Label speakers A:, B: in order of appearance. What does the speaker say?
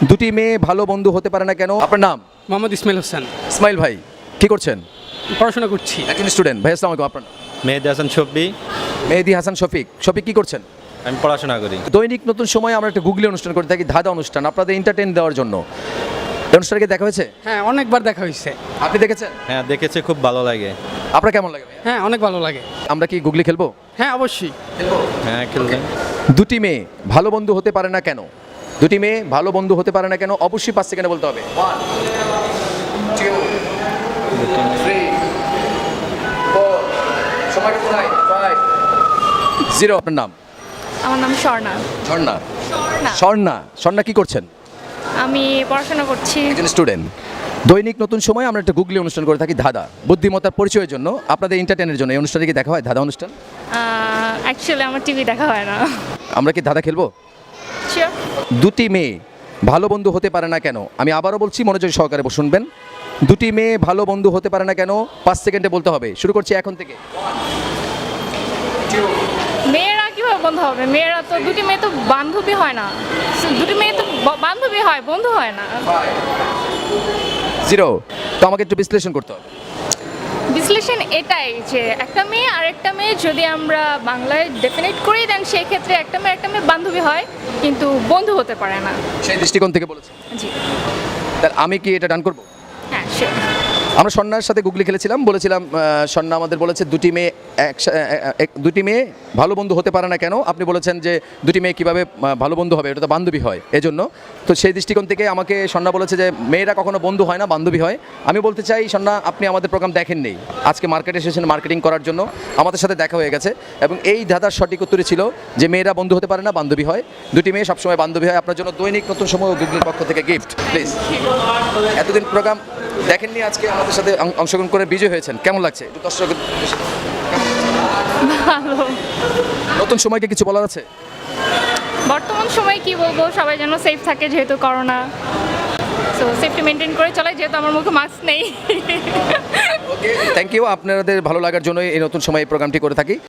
A: দুটি মেয়ে ভালো বন্ধু হতে পারে না কেন? আপনার নাম?
B: মোহাম্মদ ইসমাইল হোসেন।
A: ইসমাইল ভাই, কি করছেন?
B: পড়াশোনা করছি।
A: একজন স্টুডেন্ট। ভাই আসসালামু আলাইকুম। আপনার নাম?
C: মেহেদি হাসান শফি।
A: মেহেদি হাসান শফিক। শফিক কি করছেন?
C: আমি পড়াশোনা করি।
A: দৈনিক নতুন সময় আমরা একটা গুগলি অনুষ্ঠান করে থাকি, ধাঁধা অনুষ্ঠান, আপনাদের এন্টারটেইন দেওয়ার জন্য। এই অনুষ্ঠানকে দেখা হয়েছে?
B: হ্যাঁ, অনেকবার দেখা হয়েছে।
A: আপনি দেখেছেন?
C: হ্যাঁ, দেখেছি, খুব ভালো লাগে।
A: আপনার কেমন লাগে ভাই?
B: হ্যাঁ, অনেক ভালো লাগে।
A: আমরা কি গুগলি খেলবো?
B: হ্যাঁ, অবশ্যই।
C: হ্যাঁ, খেলবেন।
A: দুটি মেয়ে ভালো বন্ধু হতে পারে না কেন? দুটি মেয়ে ভালো বন্ধু হতে পারে না কেন? অবশ্যই 5 সেকেন্ডে বলতে হবে। 1 2 3 4 সময় কিন্তু নাই। 5 0 আপনার নাম?
D: আমার নাম স্বর্ণা।
A: ঝর্ণা।
D: স্বর্ণা।
A: স্বর্ণা। স্বর্ণা কি করছেন?
D: আমি পড়াশোনা করছি।
A: একজন স্টুডেন্ট। দৈনিক নতুন সময় আমরা একটা গুগলি অনুষ্ঠান করে থাকি, ধাঁধা, বুদ্ধিমত্তার পরিচয়ের জন্য, আপনাদের এন্টারটেইনের জন্য। এই অনুষ্ঠানে কি দেখা হয়, ধাঁধা অনুষ্ঠান?
D: অ্যাকচুয়ালি আমার টিভি দেখা হয় না।
A: আমরা কি ধাঁধা খেলবো?
D: শিওর।
A: দুটি মেয়ে ভালো বন্ধু হতে পারে না কেন? আমি আবারও বলছি, মনোযোগ সহকারে শুনবেন। দুটি মেয়ে ভালো বন্ধু হতে পারে না কেন? 5 সেকেন্ডে বলতে হবে। শুরু করছি এখন থেকে।
D: মেয়েরা কিভাবে বন্ধু হবে? মেয়েরা তো দুটি মেয়ে তো বান্ধবী হয় না। দুটি মেয়ে তো বান্ধবী হয়, বন্ধু হয় না।
A: 0 তো আমাকে একটু বিশ্লেষণ করতে হবে।
D: বিশ্লেষণ এটাই যে একটা মেয়ে আর একটা মেয়ে যদি আমরা বাংলায় ডেফিনেট করি, দেন সেই ক্ষেত্রে একটা মেয়ে বান্ধবী হয়, কিন্তু বন্ধু হতে পারে না।
A: সেই দৃষ্টিকোণ থেকে বলেছি।
D: জি।
A: তাহলে আমি কি এটা ডান করবো?
D: হ্যাঁ, শিওর।
A: আমরা স্বর্ণার সাথে গুগলি খেলেছিলাম, বলেছিলাম স্বর্ণা আমাদের বলেছে দুটি মেয়ে ভালো বন্ধু হতে পারে না কেন? আপনি বলেছেন যে দুটি মেয়ে কীভাবে ভালো বন্ধু হবে, এটা তো বান্ধবী হয় এজন্য। তো সেই দৃষ্টিকোণ থেকে আমাকে স্বর্ণা বলেছে যে মেয়েরা কখনো বন্ধু হয় না, বান্ধবী হয়। আমি বলতে চাই, স্বর্ণা, আপনি আমাদের প্রোগ্রাম দেখেননি, আজকে মার্কেটে এসেছেন মার্কেটিং করার জন্য, আমাদের সাথে দেখা হয়ে গেছে, এবং এই ধাঁধার সঠিক উত্তরই ছিল যে মেয়েরা বন্ধু হতে পারে না, বান্ধবী হয়। দুটি মেয়ে সবসময় বান্ধবী হয়। আপনার জন্য দৈনিক নতুন সময় ও গুগলির পক্ষ থেকে গিফট, প্লিজ। এতদিন প্রোগ্রাম দেখেননি, আজকে আমাদের সাথে অংশগ্রহণ করে বিজয় হয়েছেন, কেমন লাগছে? একটু দর্শক,
D: ভালো।
A: নতুন সময়কে কিছু বলার আছে?
D: বর্তমান সময়ে কি বলবো, সবাই যেন সেফ থাকে, যেহেতু করোনা। সো সেফটি মেনটেন করে চলাই, যেহেতু আমার মুখে মাস্ক নেই।
A: Thank you. আপনাদের ভালো লাগার জন্য এই নতুন সময় এই প্রোগ্রামটি করে থাকি।